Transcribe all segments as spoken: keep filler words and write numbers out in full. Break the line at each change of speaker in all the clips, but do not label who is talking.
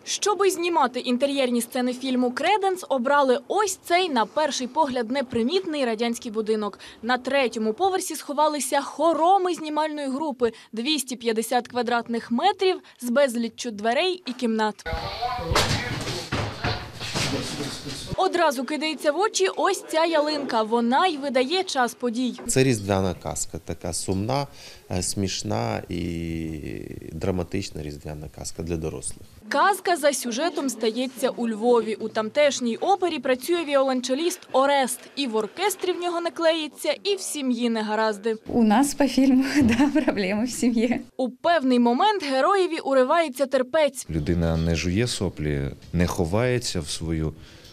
Щоби знімати інтер'єрні сцени фільму «Креденс», обрали ось цей, на перший погляд, непримітний радянський будинок. На третьому поверсі сховалися хороми знімальної групи – двісті п'ятдесят квадратних метрів з безліччю дверей і кімнат. Одразу кидається в очі ось ця ялинка. Вона й видає час подій.
Це різдвяна казка, така сумна, смішна і драматична різдвяна казка для дорослих.
Казка за сюжетом стається у Львові. У тамтешній опері працює віолончеліст Орест. І в оркестрі в нього не клеїться, і в сім'ї негаразди.
У нас по фільму, да, проблеми в сім'ї.
У певний момент героєві уривається терпець.
Людина не жує соплі, не ховається в свою,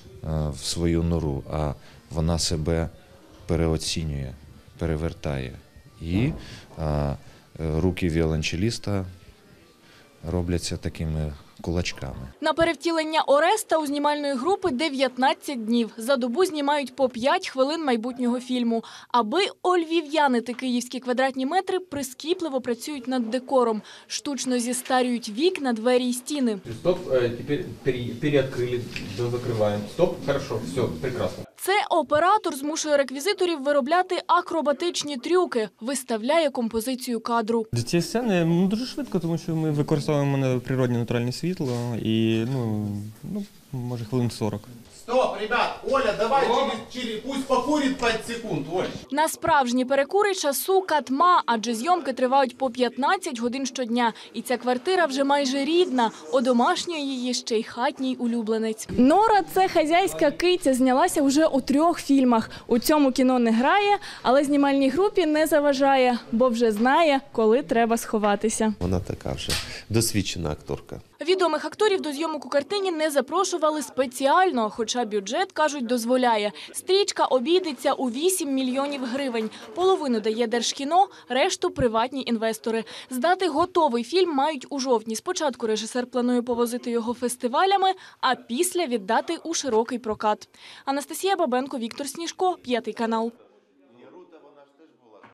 в свою нору, а вона себе переоцінює, перевертає. І а, руки віолончеліста робляться такими кулачками.
На перевтілення Ореста у знімальної групи дев'ятнадцять днів. За добу знімають по п'ять хвилин майбутнього фільму. Аби ольвів'янити київські квадратні метри, прискіпливо працюють над декором. Штучно зістарюють вікна, двері і стіни.
Стоп, тепер переоткрили, закриваємо. Стоп, хорошо, все, прекрасно.
Це оператор змушує реквізиторів виробляти акробатичні трюки, виставляє композицію кадру.
Ці сцени ну, дуже швидко, тому що ми використовуємо природне натуральне світло і, ну, ну може, хвилин сорок.
Стоп, ребят, Оля, давай через, через, пусть покурит п'ять секунд, Оль.
На справжні перекури часу катма, адже зйомки тривають по п'ятнадцять годин щодня. І ця квартира вже майже рідна, одомашнює її ще й хатній улюбленець. Нора – це хазяйська киця, знялася вже у трьох фільмах. У цьому кіно не грає, але знімальній групі не заважає, бо вже знає, коли треба сховатися.
Вона така вже досвідчена акторка.
Відомих акторів до зйомок у картині не запрошували спеціально, хоча бюджет, кажуть, дозволяє. Стрічка обійдеться у вісім мільйонів гривень. Половину дає Держкіно, решту – приватні інвестори. Здати готовий фільм мають у жовтні. Спочатку режисер планує повозити його фестивалями, а після віддати у широкий прокат. Анастасія Бабенко, Віктор Сніжко, П'ятий канал.